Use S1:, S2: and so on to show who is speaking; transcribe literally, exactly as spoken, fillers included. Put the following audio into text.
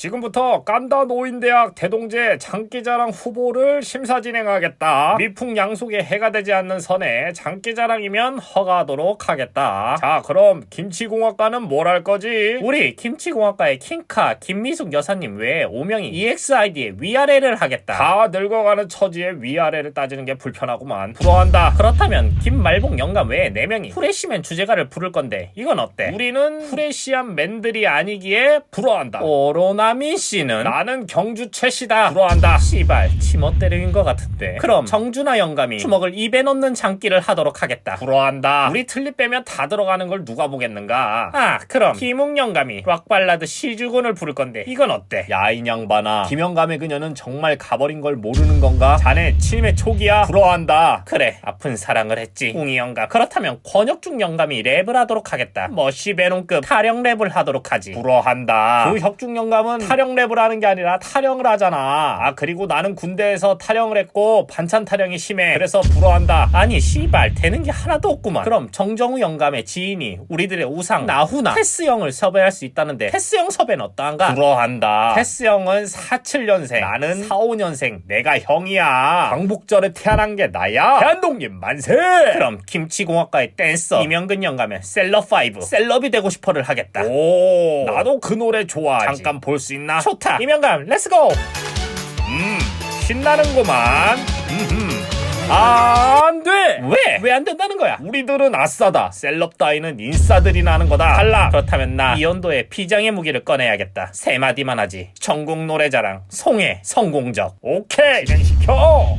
S1: 지금부터 깐다 노인대학 대동제 장기자랑 후보를 심사 진행하겠다. 미풍양속에 해가 되지 않는 선에 장기자랑이면 허가하도록 하겠다. 자, 그럼 김치공학과는 뭘 할 거지? 우리 김치공학과의 킹카 김미숙 여사님 외에 오명이 이엑스아이디의 위아래를 하겠다. 다 늙어가는 처지에 위아래를 따지는 게 불편하구만. 부러워한다. 그렇다면 김말복 영감 외에 네 명이 프레시맨 주제가를 부를 건데 이건 어때? 우리는 프레시한 맨들이 아니기에 부러워한다. 오로나미 씨는 나는 경주 최씨다. 부러워한다. 씨발 치멋대로인 것 같은데. 그럼 정준하 영감이 주먹을 입에 넣는 장기를 하도록 하겠다. 부러워한다. 우리 틀립 빼면 다 들어가는 걸 누가 보겠는가. 아, 그럼 김웅 영감이 락발라드 시주군을 부를 건데 이건 어때? 야, 이 양반아, 김영감의 그녀는 정말 가버린 걸 모르는 건가? 자네 치매 초기야. 부러워한다. 그래, 아픈 사랑을 했지 웅이 영감. 그렇다면 권혁중 영감이 랩을 하도록 하겠다. 머시베론급 타령 랩을 하도록 하지. 부러워한다. 그 혁중 영감은 타령 랩을 하는 게 아니라 타령을 하잖아. 아, 그리고 나는 군대에서 타령을 했고 반찬 타령이 심해. 그래서 부러워한다. 아니 씨발 되는 게 하나도 없구만. 그럼 정정우 영감의 지인이 우리들의 우상 나훈아 테스형을 섭외할 수 있다는데 테스형 섭외는 어떠한가? 부러워한다. 테스형은 사십칠 년생, 나는 사십오 년생. 내가 형이야. 광복절에 태어난 게 나야. 대한독립 만세. 그럼 김치공학과의 댄서 이명근 영감의 셀럽5 셀럽이 되고 싶어를 하겠다. 오, 나도 그 노래 좋아하지. 잠깐 볼 수 있나? 좋다. 이명감 렛츠고. 음, 신나는구만. 음흠. 아, 안 돼! 왜? 왜 안 된다는 거야? 우리들은 아싸다. 셀럽 따위는 인싸들이나 하는 거다. 달라. 그렇다면 나 이연도의 비장의 무기를 꺼내야겠다. 세 마디만 하지. 전국 노래자랑 송해 성공적. 오케이, 진행시켜.